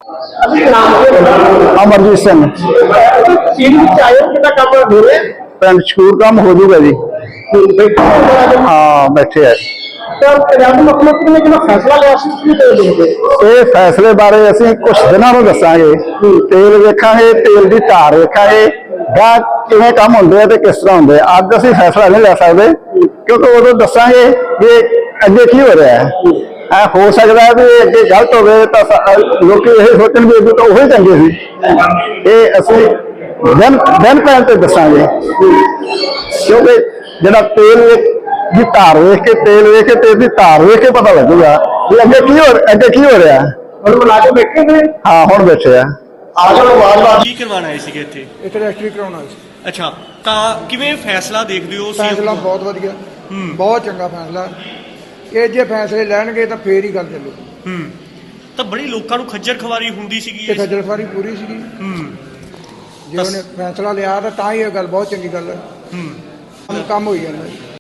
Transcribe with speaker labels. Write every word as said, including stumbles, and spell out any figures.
Speaker 1: अमरजीत सिंह पिंड शकूर काम हो जूगा जी। हाँ बैठे है। ये फैसले बारे असीं कुछ दिनों में दसांगे। तेल वेखांगे, तेल की धार वेखांगे, गाह किवें काम हुंदे आ ते किस तरह हुंदे आ। अज असीं फैसला नहीं लै सकदे क्योंकि उदों दसांगे कि अगे की हो रहा है। आ हो सकता है भी अगे गलत हो गए तो लोग ये सोचण भी अगे तो वही चंगे सी। ये असीं दिन दिन पैन ते दसांगे क्योंकि जिहड़ा तेल की धार वेख के तेल वेख के तेल की धार वेख के पता लगेगा भी अगे की हो अगे की हो रहा है। हाँ हुण बैठे आ।
Speaker 2: ਕੀ ਕਰਵਾਉਣ ਆਏ ਸੀਗੇ ਇੱਥੇ?
Speaker 3: ਇੱਥੇ ਰਜਿਸਟਰੀ ਕਰਾਉਣਾ ਸੀ।
Speaker 2: ਅੱਛਾ, ਤਾਂ ਕਿਵੇਂ ਫੈਸਲਾ ਦੇਖਦੇ ਹੋ?
Speaker 3: ਫੈਸਲਾ ਬਹੁਤ ਵਧੀਆ, ਬਹੁਤ ਚੰਗਾ ਫੈਸਲਾ। ਇਹ ਜੇ ਫੈਸਲੇ ਲੈਣਗੇ ਤਾਂ ਫੇਰ ਹੀ ਗੱਲ ਚੱਲੂ।
Speaker 2: ਹੂੰ, ਤਾਂ ਬੜੀ ਲੋਕਾਂ ਨੂੰ ਖੱਜਲ ਖਵਾਰੀ ਹੁੰਦੀ ਸੀਗੀ।
Speaker 3: ਇਹ ਖੱਜਲ ਖਵਾਰੀ ਪੂਰੀ ਸੀਗੀ।
Speaker 2: ਹੂੰ,
Speaker 3: ਜੇ ਉਹਨੇ ਫੈਸਲਾ ਲਿਆ ਤਾਂ ਤਾਂ ਹੀ ਇਹ ਗੱਲ ਬਹੁਤ ਚੰਗੀ ਗੱਲ ਹੈ।
Speaker 2: ਹੂੰ,
Speaker 3: ਕੰਮ ਹੋਈ ਜਾਂਦਾ।